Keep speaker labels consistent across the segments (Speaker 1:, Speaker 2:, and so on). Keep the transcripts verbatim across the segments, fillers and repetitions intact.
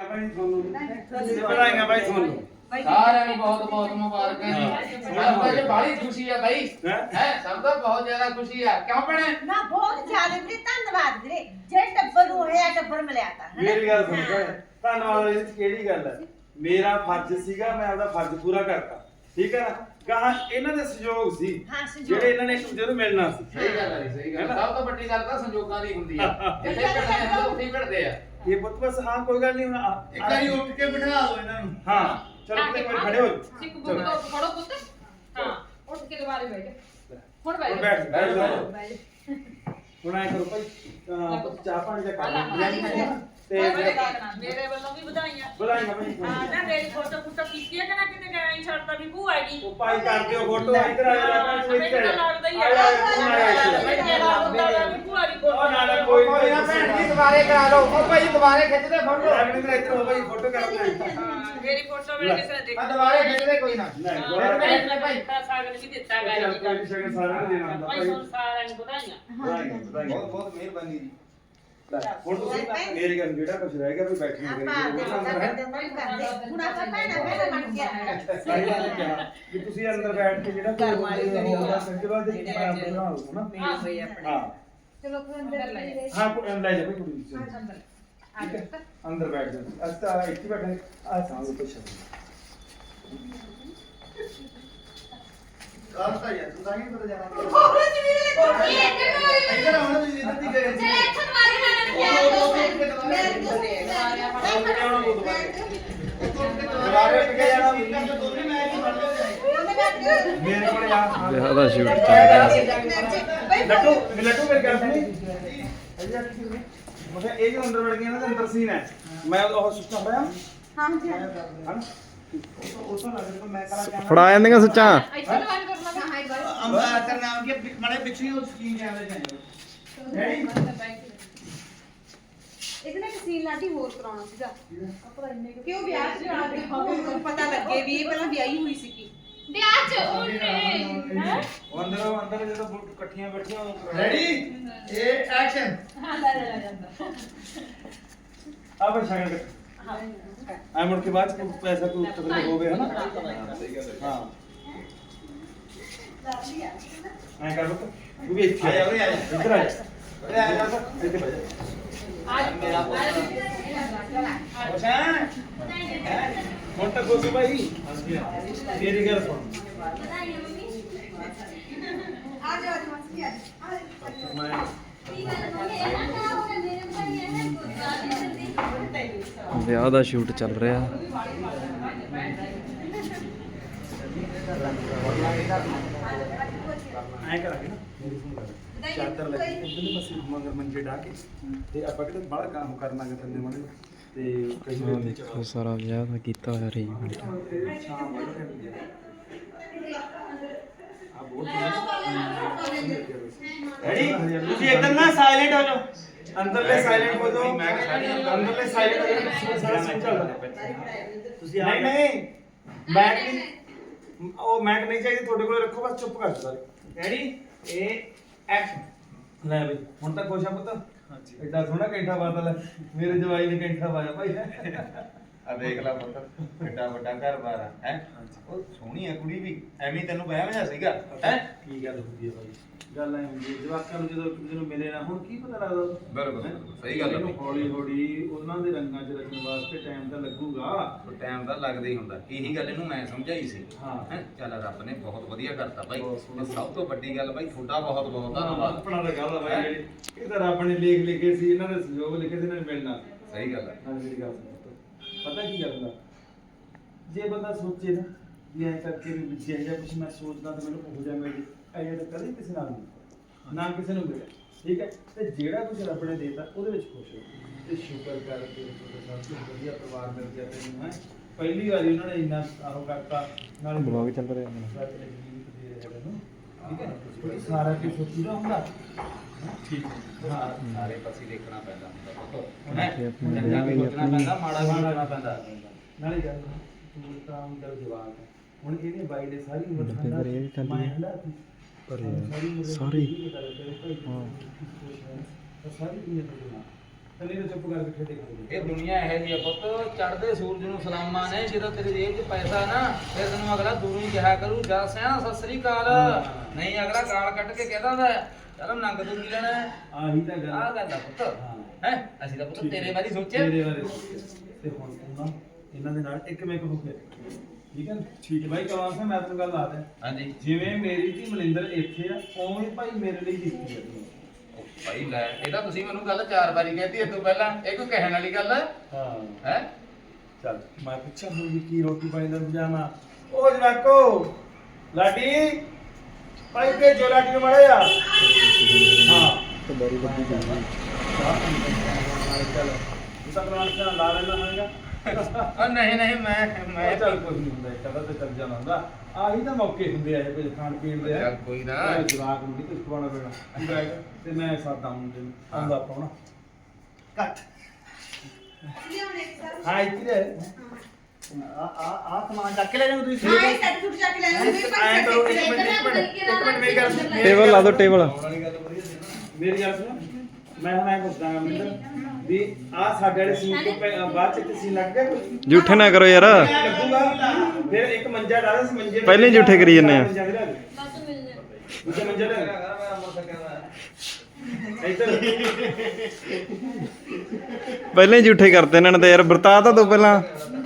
Speaker 1: ਭਾਈ ਤੁਹਾਨੂੰ ਵਧਾਈਆਂ ਭਾਈ ਤੁਹਾਨੂੰ
Speaker 2: ਸਾਰਿਆਂ ਨੂੰ ਬਹੁਤ ਬਹੁਤ ਮੁਬਾਰਕਾਂ ਜੀ। ਸਾਨੂੰ ਤਾਂ ਬੜੀ ਖੁਸ਼ੀ ਆ ਬਾਈ ਹੈ ਸਭ ਤੋਂ ਬਹੁਤ ਜ਼ਿਆਦਾ ਖੁਸ਼ੀ ਆ ਕਿਉਂ ਭੈਣੇ
Speaker 3: ਨਾ ਬਹੁਤ ਜ਼ਿਆਦਾ ਵੀਰੇ ਧੰਨਵਾਦ ਵੀਰੇ ਜੇ ਟੱਬਰ ਨੂੰ ਹੋਇਆ ਟੱਬਰ ਮਿਲਿਆ ਤਾਂ
Speaker 1: ਮੇਰੀ ਗੱਲ ਸੁਣ ਭੈਣ ਧੰਨਵਾਦ ਇਹਦੇ ਚ ਕਿਹੜੀ ਗੱਲ ਹੈ ਮੇਰਾ ਫਰਜ਼ ਸੀਗਾ ਮੈਂ ਆਪਦਾ ਫਰਜ਼ ਪੂਰਾ ਕਰਤਾ ਠੀਕ ਹੈ ਨਾ ਕਹਾਂ ਇਹਨਾਂ ਦੇ ਸਹਿਯੋਗ ਸੀ
Speaker 3: ਹਾਂ, ਸਹਿਯੋਗ।
Speaker 1: ਜਿਹੜੇ ਇਹਨਾਂ ਨੇ ਇੱਕ ਦੂਜੇ ਨੂੰ ਮਿਲਣਾ ਸੀ
Speaker 2: ਸਹੀ ਗੱਲ ਹੈ ਸਹੀ ਗੱਲ ਸਭ ਤੋਂ ਵੱਡੀ ਗੱਲ ਤਾਂ ਸੰਜੋਗਾਂ ਦੀ ਹੁੰਦੀ ਆ ਜਿੱਥੇ ਭਿੜਦੇ ਆ ਉੱਥੇ ਹੀ ਭਿੜਦੇ ਆ
Speaker 1: ਇਹ ਪੁੱਤ ਬਸ ਹਾਂ ਕੋਈ ਗੱਲ ਨਹੀਂ ਹੁਣ ਆ-
Speaker 4: ਇੱਕ ਵਾਰੀ ਉੱਠ ਕੇ ਬਿਠਾ ਦਿਓ ਇਹਨਾਂ ਨੂੰ
Speaker 1: ਹਾਂ ਚਲੋ ਕਿਤੇ ਕੋਈ ਖੜੇ ਹੋ ਜਾਓ।
Speaker 5: ਸਿੱਖ ਬੁੱਕ ਤੋਂ ਫੜੋ ਪੁੱਤ ਹਾਂ ਉੱਠ ਕੇ ਦੁਬਾਰੇ ਬੈਠ ਹੁਣ ਬੈਠ
Speaker 1: ਹੁਣ ਬੈਠ ਬੈਠ ਜਾਓ
Speaker 5: ਬੈਠ
Speaker 1: ਹੁਣ ਆਏ ਕਰੋ ਭਾਈ ਅਹ ਪੁੱਤ ਚਾਹ ਪਾਣੀ ਦਾ ਕੰਮ ਤੇ
Speaker 5: ਮੇਰੇ ਵੱਲੋਂ ਵੀ ਵਧਾਈਆਂ
Speaker 1: ਬੁਲਾਈਆਂ ਭਾਈ
Speaker 5: ਹਾਂ ਨਾ ਮੇਰੀ ਫੋਟੋ ਫੋਟੋ ਕੀਤੀ ਹੈ ਕਿ ਨਾ ਕਿਤੇ ਗਏ ਨਹੀਂ ਛੱਡਦਾ ਵੀ ਭੂਆ ਹੈਗੀ
Speaker 1: ਉਹ ਭਾਈ ਕਰ ਦਿਓ ਫੋਟੋ ਇੱਧਰ ਆ ਜਾ ਭਾਈ ਤੂੰ ਇੱਧਰ ਆ
Speaker 5: ਲੱਗਦਾ ਹੀ
Speaker 1: ਆ ਜਾ, ਆ ਜਾ, ਆ ਜਾ।
Speaker 5: ਭੂਆ ਦੀ
Speaker 1: ਉਹ ਨਾ ਨਾ ਕੋਈ
Speaker 2: ਕੋਈ ਨਾ ਭੈਣ ਜੀ ਦੁਬਾਰੇ ਕਰਾ ਲਓ ਉਹ ਭਾਈ ਦੁਬਾਰੇ ਖਿੱਚਦੇ ਫੋਟੋ
Speaker 1: ਆਪਣੇ ਤੇ ਇੱਧਰ ਹੋ ਭਾਈ ਫੋਟੋ ਕਰਦੇ
Speaker 5: ਮੇਰੀ ਫੋਟੋ ਮੇਰੇ ਕਿਸੇ ਨੇ
Speaker 2: ਆ ਦੁਬਾਰੇ ਖਿੱਚਦੇ ਕੋਈ ਨਾ
Speaker 1: ਨਹੀਂ
Speaker 5: ਮੇਰੇ
Speaker 1: ਭਾਈ
Speaker 5: ਨੇ ਭਾਈ ਸਾਗਰ ਵੀ ਦਿੱਤਾ ਗਾ ਜੀ
Speaker 1: ਕੋਈ ਸ਼ਗਨ ਸਾਰਿਆਂ ਨੂੰ ਦੇਣਾ ਹੁੰਦਾ
Speaker 5: ਭਾਈ
Speaker 1: ਭਾਈ
Speaker 5: ਤੁਹਾਨੂੰ ਸਾਰਿਆਂ ਨੂੰ ਵਧਾਈਆਂ
Speaker 1: ਵਧਾਈਆਂ, ਵਧਾਈਆਂ।
Speaker 4: ਬਹੁਤ ਬਹੁਤ ਮਿਹਰਬਾਨੀ ਜੀ
Speaker 1: ਲੈ, ਹੁਣ ਤੁਸੀਂ ਮੇਰੀ ਗੱਲ ਜਿਹੜਾ ਕੁਝ ਰਹਿ ਗਿਆ ਵੀ ਬੈਠੇ
Speaker 3: ਆਪਾਂ
Speaker 1: ਕਰੀ
Speaker 3: ਆਪਦੇ ਅੰਦਰ ਕਰਦੇ ਹੁਣ ਆਪਾਂ ਭੈਣਾ ਭੈਣਾ ਬਣ ਕੇ ਆਣਾ
Speaker 1: ਸਹੀ ਗੱਲ ਕਿਹਾ ਵੀ ਤੁਸੀਂ ਅੰਦਰ ਬੈਠ ਕੇ ਜਿਹੜਾ ਕੋਈ ਹੋਊਗਾ ਸੰਜਵਾ ਦੇ ਬਣਾ ਬਣਾ ਲਓ ਨਾ
Speaker 5: ਹਾਂ ਹੋਈ ਆਪਣੇ
Speaker 1: ਹਾਂ
Speaker 3: ਚਲੋ ਫਿਰ ਅੰਦਰ ਲੈ ਜਾਓ
Speaker 1: ਹਾਂ ਕੋਈ ਲੈ ਜਾ ਭਾਈ ਕੁੜੀ ਨੂੰ ਠੀਕ ਹੈ ਅੰਦਰ ਬੈਠ ਜਾ ਅਸਤਾ ਇੱਥੇ ਬੈਠੇ ਆ ਸਾਹ ਉੱਤੇ ਛੱਡ
Speaker 4: ਕਾਹ ਤਾਂ ਯਾਰ ਤੂੰ ਤਾਂ ਹੀ ਪਤਾ ਜਾਣਾ
Speaker 3: ਬਹੁਤ ਵੀਰੇ
Speaker 4: ਇੱਧਰ ਆਉਣਾ ਤੁਸੀਂ ਇੱਧਰ ਦੀ ਗਏ ਸੀ
Speaker 1: ਦੁਬਾਰੇ ਉੱਠ ਕੇ ਜਾਣਾ
Speaker 4: ਦੋਨੇ ਮੈਚ ਹੀ ਫੜ ਲਿਓ
Speaker 1: ਮੇਰੇ ਕੋਲ ਆ
Speaker 6: ਵਿਆਹ ਦਾ ਸ਼ੂਟ ਚੱਲ ਰਿਹਾ
Speaker 1: ਲੱਟੂ ਲੱਟੂ ਮੇਰੀ ਗੱਲ ਸੁਣੀ ਮਤਲਬ ਇਹ ਜੋ ਅੰਦਰ ਵੜ ਗਿਆ ਨਾ ਤੇ ਅੰਦਰ ਸੀਨ ਹੈ ਮੈਂ ਉਹ ਸੁੱਤਾ ਹੋਇਆ
Speaker 3: ਹਾਂ ਜੀ
Speaker 1: ਹਨ ਉਸ ਤੋਂ ਲੱਗ ਮੈਂ ਕਰਾ ਕੇ
Speaker 6: ਫੜਾ ਜਾਂਦੀਆਂ ਸੱਚਾਂ
Speaker 5: ਇੱਥੇ ਦੁਬਾਰੇ ਕਰ ਲਗਾ ਹਾਈ ਬਾਈ
Speaker 4: ਅੰਬਾ ਕਰ ਨਾਮ ਕੀ ਮੜੇ ਪਿੱਛੇ ਉਹ ਸਕੀਨ ਕੈਮਰੇ ਜਾਏ
Speaker 1: ਨਹੀਂ
Speaker 3: ਇਹਦੇ ਨਾਲ ਸੀਨ ਲਾਡੀ ਹੋਰ ਕਰਾਉਣਾ ਸੀਗਾ ਕਿਉਂ ਵਿਆਹ ਚ ਕਰਾ ਦੇ ਮੈਨੂੰ ਪਤਾ ਲੱਗੇ ਵੀ ਇਹ ਪਹਿਲਾਂ ਵਿਆਹੀ ਹੋਈ ਸੀਗੀ
Speaker 5: ਵਿਆਹ ਚ ਉਹਨੇ ਹੈ
Speaker 1: ਅੰਦਰ ਅੰਦਰ ਜਦੋਂ ਬੁੱਟ ਇਕੱਠੀਆਂ ਬੈਠੀਆਂ
Speaker 4: ਰੈਡੀ ਇਹ ਐਕਸ਼ਨ
Speaker 5: ਹਾਂ ਲੈ ਲੈ ਜਾਂਦਾ
Speaker 1: ਆ ਬਸ ਸ਼ਗਨ ਆ ਮੁੜ ਕੇ ਬਾਅਦ ਚ ਪੈਸਾ ਕੋਈ ਉੱਤਰ ਹੋਵੇ ਹਨਾ ਹਾਂ ਐ ਕਰ ਬੁੱਤ ਤੂੰ ਵੀ ਇੱਥੇ
Speaker 4: ਆ ਜਾ ਉਰੇ ਆ ਜਾ
Speaker 1: ਇੱਧਰ ਆ ਜਾ ਉਰੇ ਆ ਜਾ ਇੱਥੇ ਬਹਿ ਜਾ
Speaker 5: ਅੱਜ ਮੇਰਾ
Speaker 1: ਹੋਸ਼ਾਂ ਹੁਣ ਤੱਕ ਹੋਸੂ ਭਾਈ ਮੇਰੀ ਗੱਲ ਸੁਣ
Speaker 3: ਆ ਜਾ ਅੱਜ ਮਸਤੀ ਆ
Speaker 1: ਮੈਂ
Speaker 6: ਵਿਆਹ ਦਾ ਸ਼ੂਟ ਚੱਲ ਰਿਹਾ
Speaker 1: ਐ ਕਰਾਂਗੇ ਨਾ ਚਾਦਰ ਲੈ ਕੇ ਉਧਰਲੇ ਪਾਸੇ ਮਗਰ ਮੰਜੇ ਢਾ ਕੇ ਤੇ ਆਪਾਂ ਕਿਤੇ ਬੜਾ ਕੰਮ ਕਰਨਾ ਕਿ ਥੱਲੇ ਮਣੇ ਤੇ ਕਈ
Speaker 6: ਆਹ ਦੇਖੋ ਸਾਰਾ ਵਿਆਹ ਦਾ ਕੀਤਾ ਹੋਇਆ ਅਰੇਂਜਮੈਂਟ
Speaker 1: ਸ਼ਾਮ ਵਾਲੇ ਆ ਬਹੁਤ ਰੈਡੀ ਤੁਸੀਂ ਇੱਧਰ ਨਾ ਸਾਇਲੈਂਟ ਹੋ ਜਾਓ ਅੰਦਰਲੇ ਸਾਇਲੈਂਟ ਹੋ ਜਾਓ ਮੈਂ ਅੰਦਰਲੇ ਸਾਇਲੈਂਟ ਹੋ ਜਾਓ ਸਾਰਾ ਸੀਨ ਚੱਲਦਾ ਤੁਸੀਂ ਨਹੀਂ ਨਹੀਂ ਮੈਕ ਨਹੀਂ ਉਹ ਮੈਕ ਨਹੀਂ ਚਾਹੀਦੀ ਤੁਹਾਡੇ ਕੋਲ ਰੱਖੋ ਬਸ ਚੁੱਪ ਕਰ ਜਾਓ ਸਾਰੇ ਰੈਡੀ ਇਹ ਐਕਸ਼ਨ ਲੈ ਬਈ ਹੁਣ ਤਾਂ ਖੁਸ਼ ਆ ਪੁੱਤ ਹਾਂਜੀ ਐਡਾ ਸੋਹਣਾ ਕੈਂਠਾ ਬਾਦਲ ਹੈ ਮੇਰੇ ਜਵਾਈ ਨੇ ਕੈਂਠਾ ਪਾਇਆ ਭਾਈ
Speaker 4: ਆ ਦੇਖ ਲੈ ਪੁੱਤ ਕਿੱਡਾ ਵੱਡਾ ਘਰ-ਬਾਰ ਆ ਹੈ ਉਹ ਸੋਹਣੀ ਆ ਕੁੜੀ ਵੀ ਐਵੇਂ ਤੈਨੂੰ ਵਿਆਹ ਵਜਾ ਸੀਗਾ ਹੈ
Speaker 1: ਕੀ ਗੱਲ ਹੁੰਦੀ ਹੈ ਭਾਈ ਗੱਲ ਐ ਹੁੰਦੀ ਹੈ ਜਵਾਕਾਂ ਨੂੰ ਜਦੋਂ ਇੱਕ ਦੂਜੇ ਨੂੰ ਮਿਲੇ ਨਾ ਹੁਣ ਕੀ ਪਤਾ ਲੱਗਦਾ
Speaker 4: ਬਿਲਕੁਲ ਸਹੀ ਗੱਲ ਹੈ
Speaker 1: ਹੌਲੀ ਹੌਲੀ ਉਹਨਾਂ ਦੇ ਰੰਗਾਂ 'ਚ ਰਚਣ ਵਾਸਤੇ ਟਾਈਮ ਤਾਂ ਲੱਗੂਗਾ
Speaker 4: ਟਾਈਮ ਤਾਂ ਲੱਗਦਾ ਹੀ ਹੁੰਦਾ ਇਹੀ ਗੱਲ ਇਹਨੂੰ ਮੈਂ ਸਮਝਾਈ ਸੀ
Speaker 1: ਹਾਂ।
Speaker 4: ਹੈ ਚੱਲ ਰੱਬ ਨੇ ਬਹੁਤ ਵਧੀਆ ਕਰਤਾ ਬਾਈ
Speaker 1: ਬਹੁਤ ਸੋਹਣਾ।
Speaker 4: ਤੇ ਸਭ ਤੋਂ ਵੱਡੀ ਗੱਲ ਬਾਈ ਤੁਹਾਡਾ ਬਹੁਤ ਬਹੁਤ ਧੰਨਵਾਦ
Speaker 1: ਆਪਣਾ ਤਾਂ ਗੱਲ ਆ ਬਾਈ ਜਿਹੜੀ ਇਹ ਤਾਂ ਰੱਬ ਨੇ ਲੇਖ ਲਿਖੇ ਸੀ ਇਹਨਾਂ ਦੇ ਸਹਿਯੋਗ ਲਿਖੇ ਸੀ ਇਹਨਾਂ ਨੇ ਮਿਲਣਾ
Speaker 4: ਸਹੀ ਗੱਲ ਹੈ
Speaker 1: ਹਾਂ ਮੇਰੀ ਗੱਲ ਸੁਣੋ ਪਤਾ ਕੀ ਗੱਲ ਹੁੰਦਾ ਜੇ ਬੰਦਾ ਸੋਚੇ ਨਾ ਵੀ ਐਂ ਕਰਕੇ ਵੀ ਜੇ ਜਾਂ ਕੁਝ ਮੈਂ ਸੋਚਦਾ ਤਾਂ ਮੈਨੂੰ ਹੋ ਜਾ ਮਿਲ ਐਂ ਤਾਂ ਕਦੇ ਕਿਸੇ ਨਾਲ ਨਹੀਂ ਨਾ ਕਿਸੇ ਨੂੰ ਮਿਲਿਆ ਠੀਕ ਹੈ ਤੇ ਜਿਹੜਾ ਕੁਝ ਰੱਬ ਨੇ ਦੇਤਾ ਉਹਦੇ ਵਿੱਚ ਖੁਸ਼ ਹੋ ਤੇ ਸ਼ੁਕਰ ਕਰ ਕੇ ਤੁਹਾਡਾ ਸਭ ਤੋਂ ਵਧੀਆ ਪਰਿਵਾਰ ਮਿਲ ਗਿਆ ਤੈਨੂੰ ਹੈ ਪਹਿਲੀ ਵਾਰੀ ਉਹਨਾਂ ਨੇ ਇੰਨਾ ਆਹੋ ਕਰਤਾ ਨਾਲ
Speaker 6: ਬਲੌਗ ਚੱਲ ਰਿਹਾ ਹੈ
Speaker 1: ਰੱਬ ਨੇ ਜੀਵਤ ਦੇ ਰਿਹਾ ਤੈਨੂੰ ਠੀਕ ਹੈ ਕਿਉਂਕਿ ਸਾਰਾ ਕੁਝ ਸੋਚੀਦਾ ਹੁੰਦਾ ਠੀਕ ਹੈ ਹਾਂ
Speaker 4: ਸਾਰੇ ਪਾਸੇ ਦੇਖਣਾ ਪੈਂਦਾ ਹੁੰਦਾ
Speaker 6: ਤੇ ਆਪਣੀ
Speaker 4: ਚੰਗਾ ਵੀ
Speaker 6: ਵਿਆਹ
Speaker 4: ਸੋਚਣਾ ਪੈਂਦਾ ਮਾੜਾ ਵੀ ਸੋਚਣਾ ਪੈਂਦਾ
Speaker 1: ਨਾਲੇ ਗੱਲ ਤੂੰ ਤਾਂ ਅੰਦਰ ਜਵਾਬ ਹੈ ਹੁਣ ਇਹਨੇ ਬਾਈ ਨੇ ਸਾਰੀ ਉਮਰ
Speaker 6: ਤੇ ਫਿਰ ਇਹ ਵੀ ਖਾਲੀ
Speaker 1: ਮੈਂ ਹਲਾ ਤੀ
Speaker 6: ਪਰ
Speaker 1: ਸਾਰੀ ਉਮਰ
Speaker 6: ਸਾਰੀ
Speaker 1: ਹਾਂ
Speaker 6: ਹਾਂ
Speaker 1: ਸਾਰੀ ਦੁਨੀਆ ਤੋਂ ਜਨਾ ਨਹੀਂ ਤਾਂ ਚੁੱਪ ਕਰਕੇ ਠੇਡੇ ਖਾਂਦੇ
Speaker 2: ਇਹ ਦੁਨੀਆ ਇਹੋ ਜਿਹੀ ਆ ਪੁੱਤ, ਚੜ੍ਹਦੇ ਸੂਰਜ ਨੂੰ ਸਲਾਮਾਂ ਨੇ। ਜਦੋਂ ਤੇਰੀ ਜੇਬ 'ਚ ਪੈਸਾ ਨਾ, ਫਿਰ ਤੈਨੂੰ ਅਗਲਾ ਦੂਰੋਂ ਹੀ ਕਿਹਾ ਕਰੂ ਜਾ ਸਿਆਣਾ ਸਤਿ ਸ੍ਰੀ ਅਕਾਲ। ਨਹੀਂ ਅਗਲਾ ਗਾਲ ਕੱਢ ਕੇ ਕਹਿ ਦਿੰਦਾ ਚਲ ਨੰਗ ਤੂੰ ਕੀ ਲੈਣਾ ਹੈ।
Speaker 1: ਆਹੀ ਤਾਂ ਗੱਲ
Speaker 2: ਆਹ ਗੱਲ ਆ ਪੁੱਤ।
Speaker 1: ਹਾਂ।
Speaker 2: ਹੈ ਅਸੀਂ ਤਾਂ ਪੁੱਤ ਤੇਰੇ ਬਾਰੇ ਸੋਚਿਆ।
Speaker 1: ਤੇਰੇ ਬਾਰੇ ਤੇ ਹੁਣ ਤੂੰ ਨਾ ਇਹਨਾਂ ਦੇ ਨਾਲ ਇੱਕ ਮਿੰਟ ਹੋ ਕੇ ਠੀਕ ਹੈ ਨਾ? ਠੀਕ ਹੈ ਬਾਈ ਕਮਾਲ ਸਿੰਘ, ਮੈਂ ਤੈਨੂੰ ਗੱਲ ਦੱਸਦਾ।
Speaker 2: ਹਾਂਜੀ
Speaker 1: ਜਿਵੇਂ ਮੇਰੀ ਧੀ ਮਨਿੰਦਰ ਇੱਥੇ ਆ, ਉਵੇਂ ਹੀ ਭਾਈ ਮੇਰੇ ਲਈ ਦਿੱਤੀ ਆ ਤੂੰ।
Speaker 2: ਭਾਈ ਲੈ ਇਹ ਤਾਂ ਤੁਸੀਂ ਮੈਨੂੰ ਗੱਲ ਚਾਰ ਵਾਰੀ ਕਹਿਤੀ ਇਹ ਤੋਂ ਪਹਿਲਾਂ। ਇਹ ਕੋਈ ਕਹਿਣ ਵਾਲੀ ਗੱਲ ਹੈ
Speaker 1: ਹਾਂ
Speaker 2: ਹੈ
Speaker 1: ਚੱਲ ਮੈਂ ਪੁੱਛਾਂ ਹੁਣ ਵੀ ਕੀ ਰੋਟੀ ਪਾਣੀ ਦਾ ਇੰਤਜ਼ਾਮ ਆ। ਉਹ ਜਵਾਕੋ ਲਾਡੀ ਭਾਈ ਭੇਜੋ ਲਾਡੀ ਨੂੰ ਮੜਿਆ ਹਾਂ
Speaker 6: ਤੇ ਬੜੀ ਵੱਡੀ ਗੱਲ ਹੈ।
Speaker 1: ਚੱਲ ਇਹ ਤਾਂ ਬਣਾ ਕੇ ਲਾ ਲੈਣਾ ਹੋਏਗਾ।
Speaker 2: ਉਹ ਨਹੀਂ ਨਹੀਂ ਮੈਂ ਮੈਂ
Speaker 1: ਚੱਲ ਕੁਝ ਨਹੀਂ ਹੁੰਦਾ, ਕਦਾ ਤੇ ਚੱਲ ਜਾਣਾ ਹੁੰਦਾ। ਆਹੀ ਤਾਂ ਮੌਕੇ ਹੁੰਦੇ ਆ ਇਹ ਕੁਝ ਖਾਣ ਪੀਣ ਦੇ।
Speaker 2: ਚੱਲ ਕੋਈ ਨਾ।
Speaker 1: ਮੈਂ ਜਵਾਕ ਨੂੰ ਨਹੀਂ ਕੁਝ ਖਵਾਉਣਾ ਪੈਣਾ ਤੇ ਮੈਂ ਸਾਦਾ ਮੁੰਡੇ ਨੂੰ ਆਉਂਦਾ ਪਾਉਣਾ ਕੱਟ
Speaker 3: ਲਿਆਉਣੇ ਸਰ
Speaker 1: ਹਾਂ ਇੱਥੇ ਆ ਆ ਆ ਸਮਾਨ ਚੱਕ ਕੇ ਲੈ ਜਾਓ ਤੁਸੀਂ।
Speaker 3: ਹਾਂ ਇਹ ਸੈੱਟ ਸੁੱਟ ਜਾ ਕੇ ਲੈ ਆਉਂਦੇ ਵੀ
Speaker 1: ਐਂ ਕਰੋ
Speaker 3: ਭਾਈ
Speaker 1: ਇੱਕ ਮਿੰਟ ਇੱਕ ਮਿੰਟ ਇੱਕ ਮਿੰਟ ਮੇਰੀ ਗੱਲ ਸੁਣ।
Speaker 6: ਟੇਬਲ ਲਾ ਦਿਓ ਟੇਬਲ।
Speaker 1: ਮੇਰੀ ਗੱਲ ਸੁਣ, ਮੈਂ ਹੁਣ ਐਂ ਪੁੱਛਦਾ ਹਾਂ ਮਿੰਦਰ ਵੀ ਆ ਸਾਡੇ ਵਾਲੇ ਸੀਨ ਤੋਂ ਪਹਿਲਾਂ- ਬਾਅਦ ਚ ਕਿਸੇ ਲੱਗ ਗਿਆ ਕੋਈ
Speaker 6: ਝੂਠੇ ਨਾ ਕਰੋ ਯਾਰ।
Speaker 1: ਲੱਗੂਗਾ ਫਿਰ ਇੱਕ ਮੰਜਾ ਡਾਲਾ ਸੀ ਮੰਜੇ
Speaker 6: ਪਹਿਲਾਂ ਹੀ ਝੂਠੇ ਕਰੀ ਜਾਂਦੇ ਆ।
Speaker 1: ਮੰਜਾ ਵੀ ਲਿਆ ਦੇ। ਦੂਜਾ ਮੰਜਾ ਲਿਆ ਦੇ। ਇੱਧਰ
Speaker 6: ਪਹਿਲਾਂ ਹੀ ਝੂਠੇ ਕਰਤੇ ਇਹਨਾਂ ਨੇ ਤਾਂ ਯਾਰ। ਵਰਤਾ ਤਾਂ ਦੋ ਪਹਿਲਾਂ।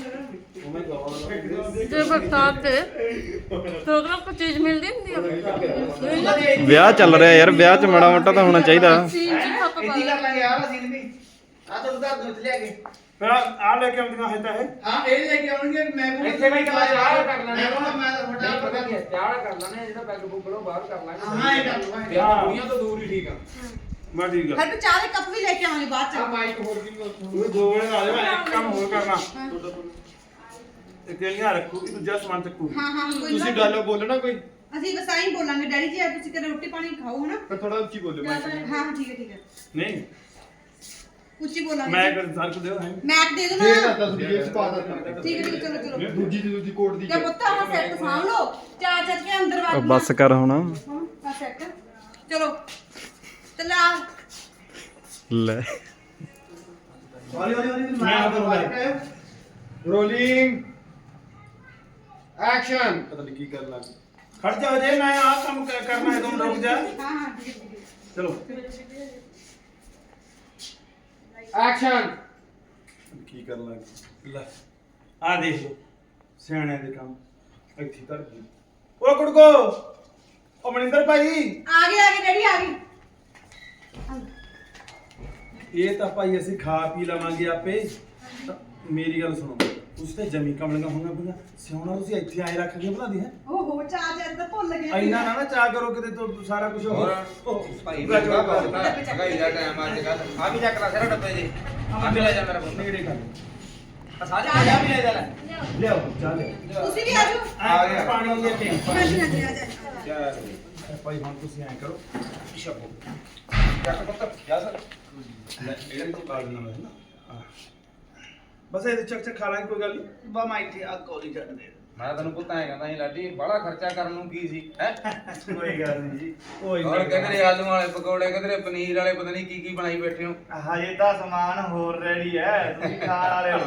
Speaker 5: ਤੇ ਬਰਸਾਤ ਤੇ ਪ੍ਰੋਗਰਾਮ ਕੋ ਚੀਜ਼ ਮਿਲਦੀ ਹੁੰਦੀ ਆ।
Speaker 6: ਵਿਆਹ ਚੱਲ ਰਿਹਾ ਯਾਰ, ਵਿਆਹ 'ਚ ਮਾੜਾ ਮੋਟਾ ਤਾਂ ਹੋਣਾ ਚਾਹੀਦਾ।
Speaker 5: ਸੀਨ ਜੀ ਖੱਪ ਪਾ
Speaker 2: ਇੱਥੇ ਕਰ ਲਾਂਗੇ ਆਹ ਸੀਨ ਵੀ। ਆ ਤਾਂ ਉਧਰ ਦੁੱਧ ਲਿਆ ਕੇ
Speaker 1: ਫਿਰ ਆ ਲੈ ਕੇ ਆਉਂਦੀਆਂ ਹੈ ਤਾਂ ਇਹ
Speaker 2: ਹਾਂ ਇਹ ਲੈ ਕੇ ਆਉਣਗੇ। ਮੈਂ ਵੀ ਇੱਥੇ ਬਈ ਕਲਾ ਚਾਹ ਕਰ ਲੈਣੇ। ਮੈਂ ਤਾਂ ਤੁਹਾਡਾ ਪਤਾ ਕੀ ਚਾਹ ਕਰ ਲੈਣੇ, ਜਿਹੜਾ ਪੈਗ ਪੁੱਗਲੋ ਬਾਹਰ ਕਰ ਲਾਂਗੇ।
Speaker 5: ਹਾਂ, ਇਹ ਕਰ ਲਓ।
Speaker 2: ਵਿਆਹ ਦੁਨੀਆ ਤੋਂ ਦੂਰ ਹੀ ਠੀਕ ਆ।
Speaker 1: ਮੈਂ ਠੀਕ ਆ।
Speaker 3: ਫਿਰ ਚਾਹ ਦੇ ਕੱਪ ਵੀ ਲੈ ਕੇ ਆਵਾਂਗੇ ਬਾਅਦ
Speaker 2: ਆ
Speaker 3: ਚ।
Speaker 2: ਮਾਈਕ ਹੋਰ ਵੀ
Speaker 1: ਉਹ ਦੋ ਵੇਲੇ ਆ ਜਾਵੇ ਇੱਕ ਕੰਮ ਹੋਰ ਕਰਨਾ। ਇੱਕ ਜਿਹੜੀਆਂ ਰੱਖੂਗੀ ਦੂਜਾ ਸਮਾਨ ਚੱਕੂਗੀ।
Speaker 3: ਹਾਂ ਹਾਂ ਕੋਈ ਨਾ।
Speaker 7: ਤੁਸੀਂ ਗੱਲ ਬੋਲਣਾ ਕੋਈ
Speaker 3: ਅਸੀਂ ਬਸ ਆਈ ਬੋਲਾਂਗੇ ਡੈਡੀ ਜੀ, ਅੱਜ ਤੁਸੀਂ ਕਦੇ ਰੋਟੀ ਪਾਣੀ ਖਾਓ ਹਨਾ।
Speaker 7: ਪਰ ਥੋੜਾ ਉੱਚੀ ਬੋਲਿਓ ਮੈਂ
Speaker 3: ਹਾਂ ਹਾਂ ਠੀਕ ਹੈ ਠੀਕ ਹੈ
Speaker 1: ਨਹੀਂ
Speaker 3: ਉੱਚੀ ਬੋਲਾਂਗੇ।
Speaker 1: ਮੈਂ ਕਰ ਸਰ ਕੋ ਦਿਓ ਹੈ
Speaker 3: ਮੈਕ ਦੇ ਦੋ
Speaker 7: ਫੇਰ
Speaker 3: ਨਾ।
Speaker 7: ਨਾ ਤਾਂ ਤੁਸੀਂ ਜੇਬ ਚ ਪਾ ਦਿੱਤਾ।
Speaker 3: ਠੀਕ ਹੈ ਠੀਕ ਹੈ, ਚਲੋ ਚਲੋ।
Speaker 7: ਦੂਜੀ ਦੀ ਦੂਜੀ ਕੋਟ ਦੀ
Speaker 3: ਕਿਆ ਪੁੱਤ ਆਹ ਸੈੱਟ ਸਾਂਭ ਲਓ। ਚਾਰ ਚੱਜ ਕੇ ਅੰਦਰ
Speaker 6: ਉਹ
Speaker 3: ਵੜ
Speaker 6: ਬੱਸ ਕਰ ਹੁਣ।
Speaker 3: ਆ ਸੈੱਟ ਚਲੋ ਚਲਾ।
Speaker 6: ਲੈ
Speaker 7: ਹੌਲੀ ਹੌਲੀ ਹੌਲੀ
Speaker 1: ਮੈਂ ਆਪ ਕਰੂੰਗਾ।
Speaker 7: Rolling action. ਪਤਾ ਨਹੀਂ ਕੀ ਕਰਨ ਲੱਗ ਗਏ।
Speaker 1: ਖੜ ਜਾ ਜੇ ਮੈਂ ਆ ਕੰਮ ਕ- ਕਰਨਾ ਹੈ ਤੁਮ ਰੁਕ ਜਾ।
Speaker 3: ਹਾਂ ਹਾਂ ਠੀਕ ਹੈ ਠੀਕ ਹੈ।
Speaker 1: ਚਲੋ
Speaker 2: ਐਕਸ਼ਨ।
Speaker 7: ਕੀ ਕਰਨ ਲੱਗ ਗਏ।
Speaker 1: ਲੈ ਆ ਦੇਖ ਲਓ ਸਿਆਣਿਆਂ ਦੇ ਕੰਮ ਇੱਥੇ ਧਰ ਗਈ। ਉਹ ਕੁੜਕੋ ਉਹ ਮਨਿੰਦਰ ਭਾਈ
Speaker 3: ਆ ਗਏ ਆ ਗਏ ਡੈਡੀ ਆ ਗਏ।
Speaker 1: ਇਹ ਤਾਂ ਭਾਈ ਅਸੀਂ ਖਾ ਪੀ ਲਵਾਂਗੇ ਆਪੇ। ਤਾਂ ਮੇਰੀ ਗੱਲ ਸੁਣੋ, ਤੁਸੀਂ ਤੇ ਜਮੀ ਕਮਲੀਆਂ ਹੋਣਾ ਪਈਆਂ। ਸਿਆਉਣਾ ਤੁਸੀਂ ਇੱਥੇ ਆਏ ਰੱਖ ਕੇ ਬਣਾ ਦੀ ਹੈ।
Speaker 3: ਓਹੋ ਚਾਹ ਜਰ ਤਾਂ ਭੁੱਲ ਗਏ।
Speaker 1: ਇੰਨਾ ਨਾ ਨਾ ਚਾਹ ਕਰੋ ਕਿਤੇ ਤੋਂ ਸਾਰਾ ਕੁਝ ਹੋ
Speaker 2: ਭਾਈ ਮਹਿੰਗਾ ਬਹੁਤ ਆ। ਮਹਿੰਗਾਈ ਦਾ ਟਾਈਮ ਅੱਜ ਕੱਲ। ਆ ਵੀ ਚੱਕ ਲਾ ਸਾਰਾ ਡੱਬੇ ਦੇ। ਆ ਵੀ ਲੈ ਜਾ ਮੇਰਾ ਬੰਦਾ।
Speaker 1: ਨੇੜੇ ਕਰ
Speaker 2: ਆ ਸਾਰੇ ਆ ਵੀ ਲੈ ਜਾ ਲੈ।
Speaker 1: ਲਿਆਓ ਚਾਹ ਲਿਆਓ।
Speaker 3: ਤੁਸੀਂ ਵੀ ਆ ਜਾਓ।
Speaker 1: ਆ ਗਿਆ ਪਾਣੀ ਦੇ ਕੇ
Speaker 3: ਹਾਂਜੀ ਹਾਂਜੀ ਆ ਜਾ।
Speaker 1: ਭਾਈ ਹੁਣ ਤੁਸੀਂ ਐਂ ਕਰੋ
Speaker 2: ਸ਼ਬੋ ਚੱਕ ਪੁੱਤ ਜਾ ਸਰ।
Speaker 1: ਲੈ ਇਹਦੇ ਵਿੱਚ ਪਾ ਦੇਣਾ ਮੈਂ ਨਾ ਆਹ। ਬਸ ਇਹਦੇ ਚੱਕ ਚੱਕ ਖਾ ਲਾਂਗੇ ਕੋਈ ਗੱਲ ਨਹੀਂ। ਬਾ ਮੈਂ ਇੱਥੇ ਆ ਕੋਲੀ ਛੱਡ ਦੇ।
Speaker 2: ਮੈਂ ਤੈਨੂੰ ਪੁੱਤ ਐਂ ਕਹਿੰਦਾ ਸੀ ਲਾਡੀ ਬੜਾ ਖਰਚਾ ਕਰਨ ਨੂੰ ਕੀ ਸੀ ਹੈ।
Speaker 1: ਕੋਈ ਗੱਲ ਨਹੀਂ ਜੀ ਕੋਈ
Speaker 2: ਔਰ ਕਹਿੰਦੇ ਆਲੂ ਵਾਲੇ ਪਕੌੜੇ ਕਹਿੰਦੇ ਪਨੀਰ ਵਾਲੇ ਪਤਾ ਨਹੀਂ ਕੀ ਕੀ ਬਣਾਈ ਬੈਠੇ ਹੋ।
Speaker 4: ਹਜੇ ਤਾਂ ਸਮਾਨ ਹੋਰ ਰੈਡੀ ਹੈ, ਤੁਸੀਂ ਖਾਣ ਵਾਲੇ ਹੋ।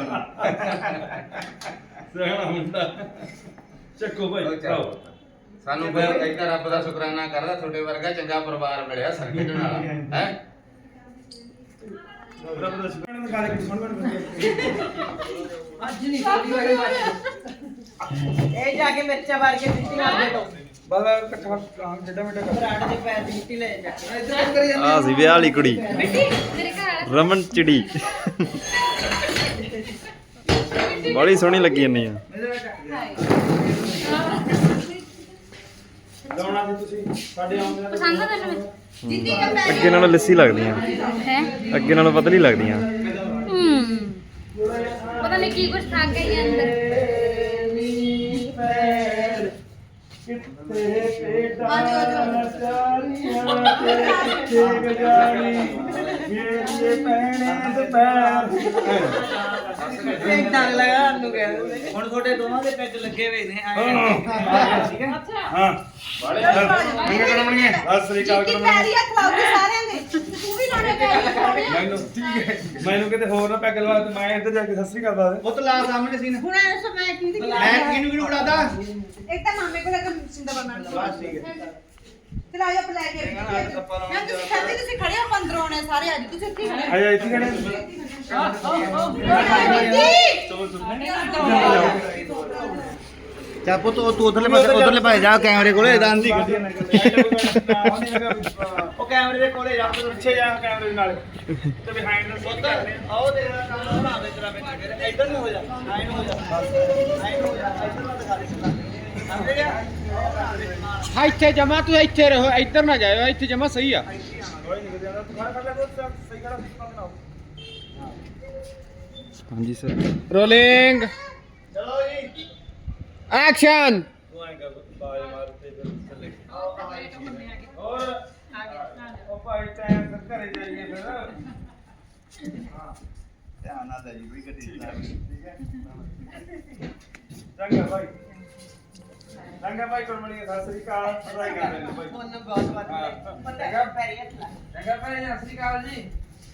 Speaker 1: ਸਹਿਣਾ ਮੁੰਡਾ ਚੱਕੋ ਭਾਈ
Speaker 2: ਉਹ ਚੱਲ।
Speaker 1: ਖਾਓ।
Speaker 2: ਸਾਨੂੰ ਫਿਰ ਇੱਕ ਰੱਬ ਦਾ ਸ਼ੁਕਰਾਨਾ ਕਰਦਾ ਤੁਹਾਡੇ ਵਰਗਾ ਚੰਗਾ ਪਰਿਵਾਰ ਮਿਲਿਆ ਸਰਕਟ ਨਾਲ ਹੈ।
Speaker 1: ਰੱਬ ਦਾ ਸ਼ੁਕਰ ਹੈ ਖਾ ਲੈ ਕੇ ਸੁਣ ਬਣ
Speaker 3: ਅੱਜ ਨਹੀਂ ਕੋਈ ਹੋਇਆ। ਇਹ ਜਾ ਕੇ ਮਿਰਚਾਂ ਮਾਰ ਕੇ ਮਿੱਟੀ ਮਾਰ ਦੇ ਦੋ।
Speaker 1: ਬਸ ਇਕੱਠਾ ਕੰਮ ਜਿੱਡਾ ਮਿੱਟਾ ਕਰ।
Speaker 3: ਬਰਾੜ ਦੇ ਪੈਰ ਦੀ ਮਿੱਟੀ ਲੈ ਜਾ ਕੇ।
Speaker 1: ਇੱਧਰ ਕਰੀ
Speaker 6: ਆ ਸੀ ਵਿਆਹ ਵਾਲੀ ਕੁੜੀ
Speaker 5: ਮਿੱਟੀ ਮੇਰੇ ਘਰ
Speaker 6: ਰਮਨ ਚਿੜੀ। ਬੜੀ ਸੋਹਣੀ ਲੱਗੀ ਜਾਂਦੀ ਆ।
Speaker 1: ਲਾਉਣਾ ਸੀ ਤੁਸੀਂ ਸਾਡੇ ਆਉਂਦੇ
Speaker 5: ਪਸੰਦ ਆ ਤੈਨੂੰ
Speaker 3: ਜਿੱਦੀ ਕਾ ਪੈ
Speaker 6: ਅੱਗੇ ਨਾਲੋਂ ਲੱਸੀ ਲੱਗਦੀਆਂ,
Speaker 5: ਹੈ
Speaker 6: ਅੱਗੇ ਨਾਲੋਂ ਪਤਲੀ ਲੱਗਦੀਆਂ।
Speaker 5: ਹੂੰ ਪਤਾ ਨਹੀਂ ਕੀ ਕੁਝ ਖਾ ਗਈ ਅੰਦਰ।
Speaker 3: ਆ ਜਾਓ ਆ ਜਾਓ।
Speaker 8: ਟੰਗ ਲਗਾ ਨੂੰ ਕਹਿੰਦੇ ਹੁਣ ਤੁਹਾਡੇ ਦੋਵਾਂ ਦੇ ਪੈਗ ਲੱਗੇ ਹੋਏ ਨੇ ਆਏ ਠੀਕ ਹੈ।
Speaker 1: ਹਾਂ ਬਾਲੇ ਮੰਗੇ ਕਰਮਣੀਏ ਸਤਿ ਸ੍ਰੀ ਅਕਾਲ
Speaker 3: ਜਿੱਦੀ ਪੈਰੀ ਹੱਥ ਲਾਉਂਦੇ ਸਾਰਿਆਂ ਦੇ। ਤੂੰ ਵੀ ਵੀ ਲਾਉਣੇ ਪੈ ਗਏ
Speaker 1: ਮੈਨੂੰ ਠੀਕ ਹੈ ਮੈਨੂੰ ਕਿਤੇ ਹੋਰ ਨਾ ਪੈਗ ਲਵਾ ਤੇ ਮੈਂ ਇੱਧਰ ਜਾ ਕੇ ਸਤਿ ਸ੍ਰੀ ਅਕਾਲ ਦੱਸ
Speaker 8: ਉਹ ਤਾਂ ਲਾ ਸਾਹਮਣੇ ਸੀ ਨਾ
Speaker 3: ਹੁਣ ਐ ਸੋ ਮੈਂ ਕੀ ਦੀ
Speaker 8: ਮੈਂ ਕਿਹਨੂੰ ਕਿਹਨੂੰ ਉਡਾਦਾ
Speaker 3: ਇੱਕ ਤਾਂ ਮਾਮੇ ਕੋਲ ਇੱਕ ਸਿੰਦਾ ਬਣਾ
Speaker 8: ਬਸ ਠੀਕ ਹੈ
Speaker 3: ਚਲ ਆ ਜਾ ਪਲਾ ਕੇ ਮੈਂ ਤੁਸੀਂ ਖੜੇ ਤੁਸੀਂ ਖੜੇ ਹੋ ਪੰਦਰੋਂ ਆਉਣੇ ਸਾਰੇ ਅੱਜ ਤੁਸੀਂ ਇੱਥੇ ਖੜੇ
Speaker 1: ਆਇਆ ਇੱਥੇ ਖੜੇ
Speaker 8: ਚਾ ਪੁੱਤ ਉਹ ਤੂੰ ਉਧਰਲੇ ਪਾਸੇ ਉਧਰਲੇ ਪਾਸੇ ਜਾ ਕੈਮਰੇ ਕੋਲੇ ਦਾਨ ਦੀ ਗੱਡੀ ਉਹ ਕੈਮਰੇ ਦੇ ਕੋਲੇ ਜਾ
Speaker 1: ਪਿੱਛੇ ਜਾ ਕੈਮਰੇ ਨਾਲ ਤੇ ਬਿਹਾਈਂਡ ਦਾ ਸੀਨ ਕਰਦੇ ਆ
Speaker 8: ਆਓ ਦੇ ਕੰਮ ਬਣਾ ਦੇ ਤੇਰਾ ਵਿੱਚ ਇੱਧਰ ਨੂੰ ਹੋ ਜਾ ਆਈ ਨੂੰ ਹੋ ਜਾ ਆਈ ਨੂੰ ਹੋ ਜਾ ਇੱਧਰ ਨੂੰ ਦਿਖਾ ਦੇ ਸਿੱਧਾ ਸਮਝ ਗਿਆ
Speaker 9: ਇੱਥੇ ਜਮਾ ਤੂੰ ਇੱਥੇ ਰਹੋ ਇੱਧਰ ਨਾ ਜਾਇਓ ਇੱਥੇ ਜਮਾ ਸਹੀ ਆ
Speaker 1: ਕੋਈ ਨਹੀਂ ਕਿਤੇ ਤੂੰ ਖੜਾ ਕਰ ਲੈ ਦੋਸਤ ਸਹੀ ਖੜਾ ਬਣਾਓ
Speaker 6: ਹਾਂਜੀ ਸਰ
Speaker 9: ਰੋਲਿੰਗ
Speaker 8: ਚਲੋ ਜੀ
Speaker 9: ਐਕਸ਼ਨ
Speaker 1: ਤੂੰ ਐਂ ਕਰ ਬਾਜ ਮਾਰ ਤੇ ਫਿਰ ਥੱਲੇ ਹੋਰ ਉਹ ਭਾਈ ਟਾਈਮ ਫਿਰ ਘਰੇ ਜਾਈਏ ਫਿਰ ਹਾਂ
Speaker 4: ਧਿਆਨ ਨਾਲ ਜਾਈ ਵੀ ਗੱਡੀ ਚਲਾ ਠੀਕ ਹੈ
Speaker 1: ਚੰਗਾ ਭਾਈ ਚੰਗਾ ਭਾਈ ਕੁਰਮਣੀ ਸਤਿ ਸ੍ਰੀ ਅਕਾਲ ਪੜਾਈ ਕਰ ਲੈਣਾ ਭਾਈ
Speaker 8: ਉਹਨੇ ਬਹੁਤ ਵਾਰ
Speaker 2: ਚੰਗਾ ਪੈਰੀ ਚੰਗਾ ਭਾਈ ਸਤਿ ਸ੍ਰੀ ਅਕਾਲ ਜੀ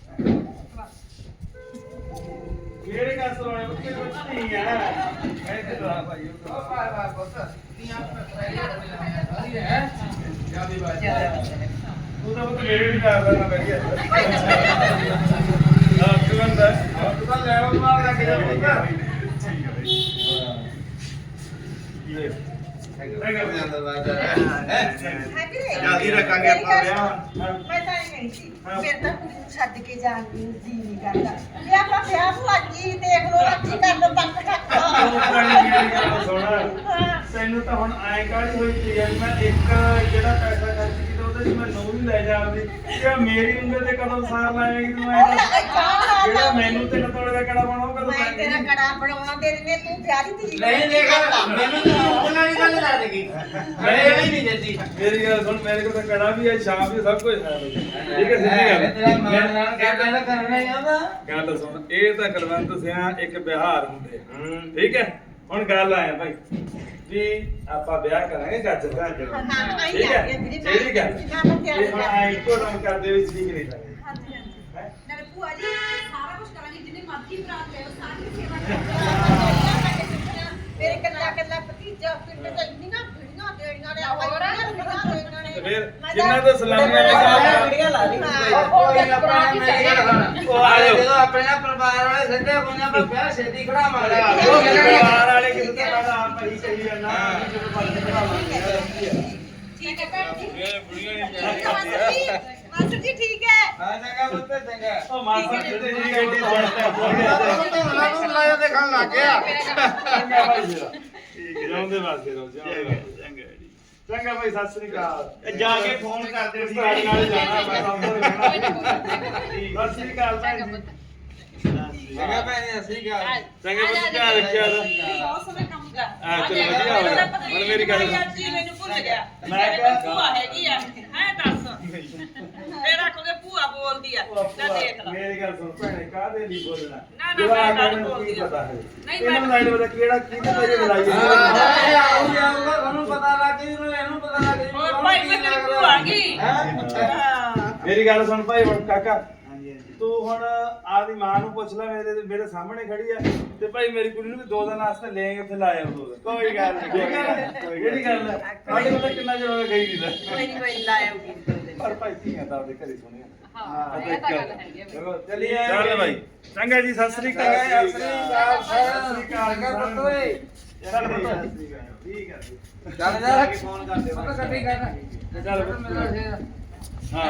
Speaker 1: ਕਿਹੜੇ ਗੱਲ ਸੁਣਾਉਣੇ ਬੱਚੇ ਕੁਛ ਨਹੀਂ ਆ ਮੈਂ ਤੇ ਲਾ ਭਾਈ
Speaker 2: ਉਹ ਭਾਈ ਭਾਈ ਪੁੱਤ ਤੀਆਂ ਪੈਰੀ ਸਾਰੀ ਹੈ ਜਿਆਦੀ ਬਾਤ
Speaker 1: ਤੂੰ ਤਾਂ ਬਤ ਮੇਰੇ ਵੀ ਕਰ ਲੈਣਾ ਵਧੀਆ ਹਾਂ ਤੂੰ ਬੰਦਾ ਤੂੰ ਤਾਂ ਲੈ ਉਹ ਮਾਰ ਲੱਗ ਜਾ ਪੁੱਤ
Speaker 4: ਜਲਦੀ ਰੱਖਾਂਗੇ ਆਪਾਂ ਵਿਆਹ
Speaker 3: ਮੈਂ ਤਾਂ ਇਹ ਕਹੀ ਸੀ ਫਿਰ ਤਾਂ ਕੁੜੀ ਨੂੰ ਛੱਡ ਕੇ ਜਾਣ ਦੀ ਜੀ ਨਹੀਂ ਕਰਦਾ ਇਹ ਆਪਾਂ ਵਿਆਹ ਨੂੰ ਲੱਗੀ ਦੇਖ ਲੋ ਰੱਜੀ ਕਰ ਲੋ ਤੱਕ ਤੱਕ
Speaker 1: ਸੋਣਾ ਤੈਨੂੰ ਤਾਂ ਹੁਣ ਐਂ ਕਾਹਲੀ ਹੋਈ ਪਈ ਆ ਵੀ ਮੈਂ ਇੱਕ ਜਿਹੜਾ ਪੈਸਾ ਖਰਚ ਕੀਤਾ ਉਹਦੇ ਚ ਮੈਂ ਨੌ ਵੀ ਲੈ ਜਾ ਆਪਦੀ ਇਹ ਮੇਰੀ ਉਂਗਲ ਤੇ ਕਦੋਂ ਸਾਰ ਲਾਏਗੀ ਤੂੰ ਐਂ ਦੱਸ। ਜਿਹੜਾ ਮੈਨੂੰ ਤੇ ਤੋੜੇ ਦਾ ਕੜਾ ਬਣਾਉ ਕਦੋਂ
Speaker 3: ਮੈਂ ਤੇਰਾ ਕੜਾ ਬਣਾਉਣਾ ਦੇ ਦਿੰਦੇ ਤੂੰ ਵਿਆਹ ਦੀ ਤਰੀਕ
Speaker 8: ਨਹੀਂ ਦੇਖ ਮੈਨੂੰ ਤਾਂ ਉਹਨਾਂ ਦੀ ਗੱਲ ਲਾ ਦੇਗੀ ਮੈਂ ਇਹ ਨਹੀਂ ਦਿੱਤੀ
Speaker 1: ਮੇਰੀ ਗੱਲ ਸੁਣ ਮੇਰੇ ਕੋਲ ਤਾਂ ਕੜਾ ਵੀ ਹੈ ਛਾਪ ਵੀ ਸਭ ਕੁਝ ਹੈ ਬਈ। ਠੀਕ ਹੈ ਸਿੱਧੀ ਗੱਲ
Speaker 8: ਤੇਰਾ ਮਾਨ ਨਾਲ ਕਹਿੰਦਾ ਕਰਨਾ ਹੀ ਆਉਂਦਾ
Speaker 1: ਗੱਲ ਸੁਣ ਇਹ ਤਾਂ ਕਲਵੰਤ ਸਿਆ ਇੱਕ ਬਿਹਾਰ ਹੁੰਦੇ ਆ। ਠੀਕ ਹੈ ਹੁਣ ਗੱਲ ਆਇਆ ਭਾਈ ਵੀ ਆਪਾਂ ਵਿਆਹ ਕਰਾਂਗੇ ਗੱਜ ਦਾ
Speaker 3: ਹਾਂ
Speaker 1: ਠੀਕ ਹੈ
Speaker 3: ਆਈ ਵੀਰੇ
Speaker 1: ਜਿਹੜੀ ਗੱਲ
Speaker 3: ਮੈਂ
Speaker 1: ਇਹ ਹੁਣ ਐਂ ਇੱਕੋ ਦਮ ਕਰਦੇ ਵਿੱਚ ਠੀਕ ਨਹੀਂ ਲੱਗਦਾ
Speaker 3: ਹਾਂਜੀ ਹਾਂਜੀ ਨਾਲੇ ਭੂਆ ਜੀ ਸਾਰਾ ਕੁਝ ਕਰਾਂਗੇ ਜਿੰਨੇ ਮਰਜ਼ੀ ਬਰਾਤ ਲੈ ਸਾਰੀ ਸੇਵਾ ਕਰਾਂਗੇ ਮੇਰੇ ਕੱਲਾ ਕੱਲਾ ਭਤੀਜਾ ਪਿੰਡ ਚ ਇੰਨੀਆਂ ਵੀਡੀਆਂ ਦੇਣੀਆਂ ਨੇ ਹੋਰ ਵੀਡੀਆਂ ਦੇਣੀਆਂ ਨੇ
Speaker 1: ਤੇ ਫਿਰ ਜਿੰਨਾ ਤੋਂ ਸਲਾਮੀਆਂ ਲਗਾ
Speaker 8: ਵੀਡੀਓ ਲਾ ਲਈ
Speaker 3: ਕੋਈ
Speaker 8: ਆਪਣਾ ਉਹ ਆ ਜਦੋਂ ਆਪਣੇ ਨਾਲ ਪਰਿਵਾਰ ਵਾਲੇ ਸੱਜੇ ਕੋਨੇ ਆਪਾਂ ਵਿਆਹ ਛੇਤੀ ਖੜਾਵਾਂਗੇ
Speaker 1: ਪਰਿਵਾਰ ਵਾਲੇ ਕਿਸੇ ਤੋਂ ਪਹਿਲਾਂ ਆਪ ਹੀ ਕਹੀ ਜਾਂਦਾ ਜਦੋਂ ਬੰਦ ਕਰਾਵਾਂਗੇ
Speaker 3: ਠੀਕ ਹੈ ਭੈਣ ਜੀ
Speaker 1: ਇਹ ਬੁੜੀਆਂ ਨਹੀਂ
Speaker 3: ਮਾਸਟਰ ਜੀ ਮਾਸਟਰ ਜੀ ਠੀਕ ਹੈ
Speaker 8: ਹਾਂ ਚੰਗਾ ਪੁੱਤ ਚੰਗਾ
Speaker 1: ਉਹ ਮਾਸਟਰ ਜੀ ਦੀ ਗੱਡੀ ਬਣਦਾ
Speaker 8: ਧੋਣਾ ਨੂੰ ਲਾਇਆ ਦੇਖਣ ਲੱਗ ਗਿਆ
Speaker 1: ਚੰਗਾ ਭਾਈ ਮੇਰਾ ਠੀਕ ਹੈ ਜਾਉਂਦੇ ਵਾਸਤੇ ਰਹੋ ਜਾਉਂਦੇ ਚੰਗਾ ਚੰਗਾ ਭਾਈ ਸਤਿ ਸ੍ਰੀ ਅਕਾਲ
Speaker 4: ਜਾ ਕੇ ਫੋਨ ਕਰਦੇ ਸੀ
Speaker 1: ਨਾਲ ਨਾਲ ਜਾਣਾ ਮੈਂ ਅੰਦਰ ਰਹਿਣਾ ਸਤਿ ਸ੍ਰੀ ਅਕਾਲ ਭੈਣ ਜੀ
Speaker 2: ਚੰਗਾ ਭੈਣ ਸਤਿ ਸ੍ਰੀ ਅਕਾਲ
Speaker 1: ਚੰਗਾ ਬੱਚੇ ਧਿਆਨ ਰੱਖਿਆ ਦਾ
Speaker 3: ਬਹੁਤ ਸਮੇਂ ਕੰਮ ਕਰ
Speaker 1: ਆ ਚਲੋ ਵਧੀਆ ਹੋ ਗਿਆ ਹੁਣ ਮੇਰੀ ਗੱਲ ਸੁਣ।
Speaker 3: ਜੀ ਮੈਨੂੰ ਭੁੱਲ ਗਿਆ
Speaker 1: ਮੈਂ ਕਿਹਾ
Speaker 3: ਭੂਆ ਹੈਗੀ ਆ ਹੈ ਦੱਸ ਫੇਰ ਆਖੋਗੇ ਭੂਆ ਬੋਲਦੀ ਆ ਲੈ ਦੇਖ ਲੈ
Speaker 1: ਮੇਰੀ ਗੱਲ ਸੁਣ ਭੈਣੇ ਕਾਹਦੇ ਲਈ ਬੋਲਣਾ
Speaker 3: ਨਾ,
Speaker 1: ਜਦੋਂ
Speaker 3: ਮੈਂ
Speaker 1: ਆ
Speaker 3: ਗੱਲ
Speaker 1: ਮੈਨੂੰ
Speaker 3: ਬੋਲਦੀ
Speaker 1: ਕੀ
Speaker 3: ਆ।
Speaker 1: ਪਤਾ ਹੈ
Speaker 3: ਨਹੀਂ,
Speaker 1: ਇਹਨਾਂ ਨੂੰ
Speaker 3: ਮੈਂ-
Speaker 1: ਨਹੀਂ ਪਤਾ ਕਿਹੜਾ ਕਿਹਨੇ ਤੇਰੇ ਲੜਾਈ
Speaker 2: ਹਾਂ
Speaker 1: ਹੈ
Speaker 2: ਆਉ ਜਾਊਗਾ ਤੁਹਾਨੂੰ ਪਤਾ ਲੱਗ ਜੂ ਇਹਨੂੰ ਪਤਾ ਲੱਗ ਜੂ
Speaker 3: ਹੋਰ ਭਾਈ ਮੈਂ ਤੇਰੀ ਭੂਆ ਆ ਗਈ ਹਾਂ
Speaker 1: ਮੇਰੀ ਗੱਲ ਸੁਣ ਭਾਈ ਹੁਣ ਕਾਕਾ ਤੂੰ ਹੁਣ ਆਪਦੀ ਮਾਂ ਨੂੰ ਪੁੱਛ ਲੈ ਮੇਰੇ ਮੇਰੇ ਸਾਹਮਣੇ ਖੜੀ ਆ ਤੇ ਭਾਈ ਮੇਰੀ ਕੁੜੀ ਨੂੰ ਵੀ ਦੋ ਦਿਨ ਵਾਸਤੇ ਲੈ ਕੇ ਉੱਥੇ ਲਾਇਆ ਦੋ ਦਿਨ ਕੋਈ ਗੱਲ ਨਹੀਂ ਠੀਕ ਹੈ ਕਿਹੜੀ ਗੱਲ ਹੈ ਸਾਡੇ ਕੋਲ ਤਾਂ ਕਿੰਨਾ ਚਿਰ ਹੋ ਗਿਆ ਗਈ ਨਹੀਂ ਲੈ
Speaker 3: ਕੋਈ ਨਹੀਂ ਕੋਈ ਲਾਇਆਉਗੀ
Speaker 1: ਪਰ ਭਾਈ ਧੀਆਂ ਤਾਂ ਆਪਦੇ ਘਰੇ ਸੁਣਿਆ
Speaker 5: ਹਾਂ ਇਹ ਤਾਂ ਗੱਲ ਹੈਗੀ ਆ
Speaker 1: ਚਲੋ ਚੱਲੀਏ ਚੱਲ ਭਾਈ ਚੰਗਾ ਜੀ ਸਤਿ ਸ੍ਰੀ ਅਕਾਲ
Speaker 2: ਸਤਿ ਸ੍ਰੀ ਅਕਾਲ
Speaker 1: ਸਤਿ ਸ੍ਰੀ ਅਕਾਲ
Speaker 2: ਚੰਗਾ ਪੁੱਤ ਓਏ
Speaker 1: ਚੱਲ ਪੁੱਤ ਠੀਕ ਹੈ
Speaker 2: ਚੱਲ ਜਾ
Speaker 4: ਫੋਨ ਕਰਦੇ
Speaker 2: ਪੁੱਤ ਗੱਡੀ ਕਰ
Speaker 1: ਚੱਲ ਪੁੱਤ
Speaker 2: ਮੇਰਾ ਫੇਰ
Speaker 1: ਹਾਂ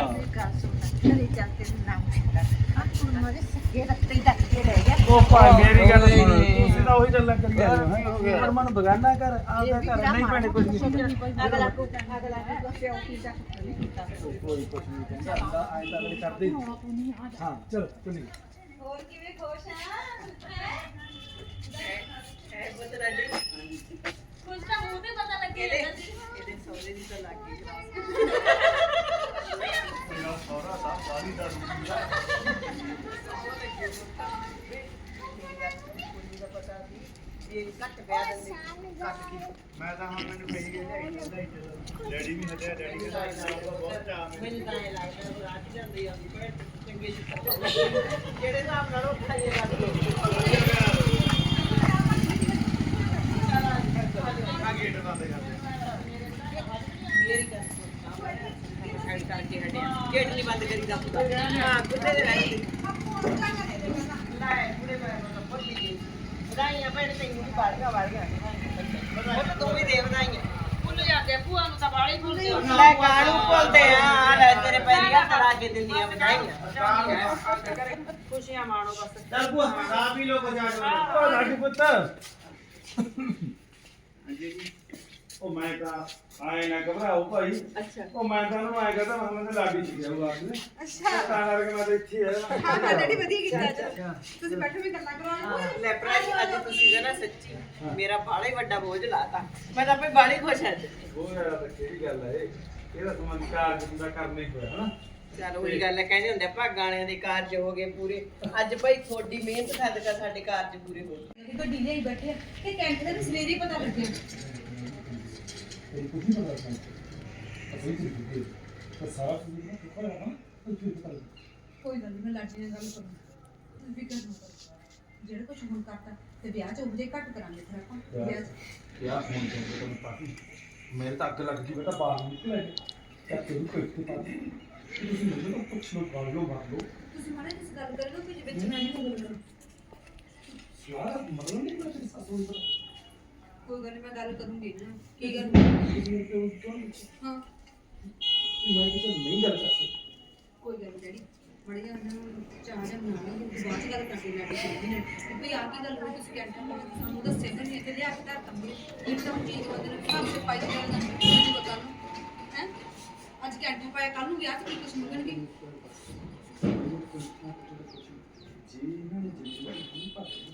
Speaker 3: ਘਰੇ ਚੱਲਤੇ ਨਾਮ ਆ ਤੂੰ ਮਾਰੇ ਸੱਗੇ ਰੱਤੇ ਡੱਕੇ ਰਹਿ ਗਿਆ
Speaker 1: ਉਹ ਭਾਈ ਮੇਰੀ ਗੱਲ ਸੁਣ ਤੁਸੀਂ ਤਾਂ ਉਹੀ ਗੱਲਾਂ ਕਰੀ ਜਾਂਦੇ ਹੋ ਪਰ ਮਨ ਬਗਾਨਾ ਕਰ ਆਪਦਾ ਘਰ ਨਹੀਂ ਭੈਣੇ ਕੁਝ ਨਹੀਂ
Speaker 3: ਅਗਲਾ ਕੋ ਅਗਲਾ ਕੋ ਪਿਓ ਕੀ ਦਾ
Speaker 1: ਕੋਈ ਕੁਝ ਨਹੀਂ ਕਹਿੰਦਾ ਹੁੰਦਾ ਐਂ ਤਾਂ ਅਗਲੇ ਕਰਦੇ ਹੀ। ਹਾਂ ਚਲੋ ਚਲੀ
Speaker 3: ਹੋਰ ਕਿਵੇਂ ਖੁਸ਼ ਆ ਹੈ ਬੁੱਤ ਰਾਜੀ
Speaker 5: ਕੁਝ ਤਾਂ ਮੂੰਹ ਤੇ ਪਤਾ ਲੱਗੇ ਜਾਂਦਾ ਸੀ
Speaker 3: ਇਹਦੇ ਸੌਦੇ ਦੀ ਤਾਂ ਲੱਗ ਗਈ
Speaker 1: ਸੋਹਰਾ ਸਾਹਿਬ ਸਾਰੀ ਦਾ
Speaker 3: ਪਤਾ ਸੀ ਜੇ ਘੱਟ ਪਿਆ ਦਿੰਦੇ ਘੱਟ ਕੀ
Speaker 1: ਮੈਂ ਤਾਂ ਹੁਣ ਮੈਨੂੰ ਕਹੀ ਗਿਆ ਡੈਡੀ ਵੀ ਹਟਿਆ ਡੈਡੀ ਦੇ ਨਾਲ ਬਹੁਤ ਚਾਹ
Speaker 3: ਮੈਨੂੰ ਤਾਂ ਇਹ ਲੱਗਦਾ ਰਾਤ ਜਾਂਦੀ ਆ ਵੀ ਚੰਗੇ ਚਿੱਤਰ ਜਿਹੜੇ ਹਿਸਾਬ ਨਾਲ ਉਹ ਖਾਈਏ ਲੱਗਦੇ
Speaker 1: ਆ ਗੇਟ ਬੰਦ ਕਰ ਦੇ
Speaker 3: ਮੇਰੀ ਗੱਲ ਸਾਈਡ ਕਰਕੇ ਹਟਿਆ ਗੇਟ ਨਹੀਂ ਬੰਦ ਕਰੀ ਦਾ ਹਾਂ ਕੁੱਤੇ ਦੇ ਰਹਿ ਲੈ ਪੂਰੇ ਮੈਂ ਪੱਲੀ ਗਈ ਵਧਾਈਆਂ ਭੈਣ ਤੈਨੂੰ ਵੀ ਬਾੜ ਗਿਆ ਬਾੜ ਗਿਆ ਉਹ ਤਾਂ ਤੂੰ ਵੀ ਦੇ ਵਧਾਈਆਂ ਭੁੱਲ ਜਾਂਦੇ ਭੂਆ ਨੂੰ ਤਾਂ ਬਾੜੀ ਭੁੱਲਦੇ ਲੈ ਕਾਲੂ ਭੁੱਲਦੇ ਆ ਆ ਲੈ ਤੇਰੇ ਪੈਰੀਆਂ ਤੜਾ ਕੇ ਦਿੰਦੀਆਂ ਵਧਾਈਆਂ ਖੁਸ਼ੀਆਂ ਮਾਣੋ ਬਸ
Speaker 1: ਚੱਲ ਭੂਆ ਚਾਹ ਪੀ ਲੋ ਕੁਝ ਆ ਜਾਓ ਲਾਡੀ ਪੁੱਤ ਉਹ ਮੈਂ ਤਾਂ ਆਏ ਨਾ ਘਬਰਾਓ ਭਾਈ
Speaker 3: ਅੱਛਾ
Speaker 1: ਉਹ ਮੈਂ ਤਾਂ ਉਹਨੂੰ ਆਏ ਕਹਤਾ ਮੈਂ ਤਾਂ ਲਾਡੀ ਸੀ ਗਿਆ ਉਹ ਆਪ ਨੇ ਅੱਛਾ ਤਾਂ ਕਰਕੇ ਮੈਂ ਤਾਂ ਇੱਥੇ ਆਇਆ
Speaker 3: ਹਾਂ ਹਾਂ ਡੈਡੀ ਵਧੀਆ ਕੀਤਾ ਅੱਜ ਤੁਸੀਂ ਬੈਠੋ ਵੀ ਗੱਲਾਂ ਕਰੋ ਲੈ ਭਰਾ ਅੱਜ ਤੁਸੀਂ ਨਾ ਸੱਚੀ ਮੇਰਾ ਬਾਲਾ ਹੀ ਵੱਡਾ ਬੋਝ ਲਾਤਾ ਮੈਂ ਤਾਂ ਆਪੇ ਬਾਲੀ ਖੁਸ਼ ਹਾਂ
Speaker 1: ਉਹ ਯਾਰ ਤਾਂ ਕਿਹੜੀ ਗੱਲ ਹੈ ਇਹ ਇਹਦਾ ਸਮਾਂ ਕਾਰਜ ਦਾ ਕਰਨਾ ਹੀ ਹੋਇਆ ਹਨਾ
Speaker 3: ਚਲ ਉਹੀ ਗੱਲ ਹੈ ਕਹਿੰਦੇ ਹੁੰਦੇ ਭਾਗਾਂ ਵਾਲਿਆਂ ਦੇ ਕਾਰਜ ਹੋ ਗਏ ਪੂਰੇ ਅੱਜ ਭਾਈ ਤੁਹਾਡੀ ਮਿਹਨਤ ਸਦਕਾ ਸਾਡੇ ਕਾਰਜ ਪੂਰੇ ਹੋ ਗਏ ਗੱਡੀ ਲਈ ਬੈਠੇ ਆ ਤੇ ਕੈਂਟ ਦੇ ਸਵੇਰੇ ਹੀ ਪਤਾ ਲੱਗਿਆ
Speaker 7: ਕੁਝ ਨਹੀਂ ਪਤਾ ਸਾਨੂੰ ਅਸੀਂ ਕੀ ਕੀਤੀ ਪਰ ਸਾਰਾ ਕੁਝ ਨਾ ਕਿੱਥੇ ਰਹਾ ਕੁਝ ਨਹੀਂ ਪਤਾ
Speaker 3: ਕੋਈ ਗੱਲ ਨਹੀਂ ਮੈਂ ਲਾਡੀ ਨਾਲ ਗੱਲ ਕਰੂੰ ਤੁਸੀਂ ਫਿਕਰ ਨਾ ਕਰੋ ਜਿਹੜਾ ਕੁਝ ਹੁਣ ਕਰਤਾ ਤੇ ਵਿਆਹ ਚ ਉਹਦੇ ਘੱਟ ਕਰਾਂਗੇ ਫਿਰ ਆਪਾਂ ਵਿਆਹ ਚ
Speaker 7: ਕਿਆ ਫੋਨ ਤੇ ਤੁਹਾਨੂੰ ਪਾਤੀ ਮੇਰੇ ਤਾਂ ਅੱਗ ਲੱਗ ਗਈ ਬੇਟਾ ਬਾਹਰ ਨਿਕਲ ਆਏ ਤਾਂ ਤੈਨੂੰ ਕੋਈ ਤੇ ਪਾਤੀ ਤੁਸੀਂ ਮੈਨੂੰ ਤਾਂ ਪੁੱਛ ਲਓ ਕਰ ਲਓ ਮਾਰ ਲਓ
Speaker 3: ਤੁਸੀਂ ਮਾਰੇ ਇਸ ਗੱਲ ਕਰ ਲਓ ਕਿ ਵਿੱਚ ਮੈਂ ਨਹੀਂ ਬੋਲਣਾ
Speaker 7: ਯਾਰ ਮਤਲਬ ਨਹੀਂ ਪਤਾ ਇਸ ਦਾ ਕੋਈ
Speaker 3: ਕੋਈ ਗੱਲ ਨੀ, ਮੈਂ ਗੱਲ ਕਰੂੰਗੀ ਨਾ ਕੀ
Speaker 7: ਗੱਲ
Speaker 3: ਗੱਲ ਹਾਂ
Speaker 7: ਮੈਂ ਕਿਹਾ ਨਹੀਂ ਗੱਲ ਕਰ ਸਕਦਾ
Speaker 3: ਕੋਈ ਗੱਲ ਨੀ ਡੈਡੀ ਬੜੀਆਂ ਉਹਨਾਂ ਨੂੰ ਚਾਹ ਜਾਂ ਬਣਾ ਲਈ ਬਾਅਦ ਚ ਗੱਲ ਕਰਦੇ ਲੈ ਕੇ ਚੱਲਦੇ ਨੇ ਕਿ ਭਈ ਆ ਕੀ ਗੱਲ ਹੋਈ ਤੁਸੀਂ ਕੈਂਟਰ ਕੋਲ ਸਾਨੂੰ ਦੱਸਿਆ ਤਾਂ ਨਹੀਂ ਤੇ ਲਿਆ ਕੇ ਧਰ ਤੰਬੇ ਇੱਕ ਤਾਂ ਚੀਜ਼ ਬੰਦੇ ਨੂੰ ਹਿਸਾਬ ਸੇ ਪਾਈ ਜਾਣ ਦਾ ਨਹੀਂ ਪਤਾ ਨੂੰ ਹੈ ਅੱਜ ਕੈਂਟਰ ਪਾਇਆ ਕੱਲ ਨੂੰ ਵਿਆਹ ਚ ਕੀ ਕੁਝ ਮੰਗਣਗੇ
Speaker 7: ਜੀ ਇਹਨਾਂ ਨੇ ਜਿੰਦਗੀ ਨਹੀਂ ਪਾਈ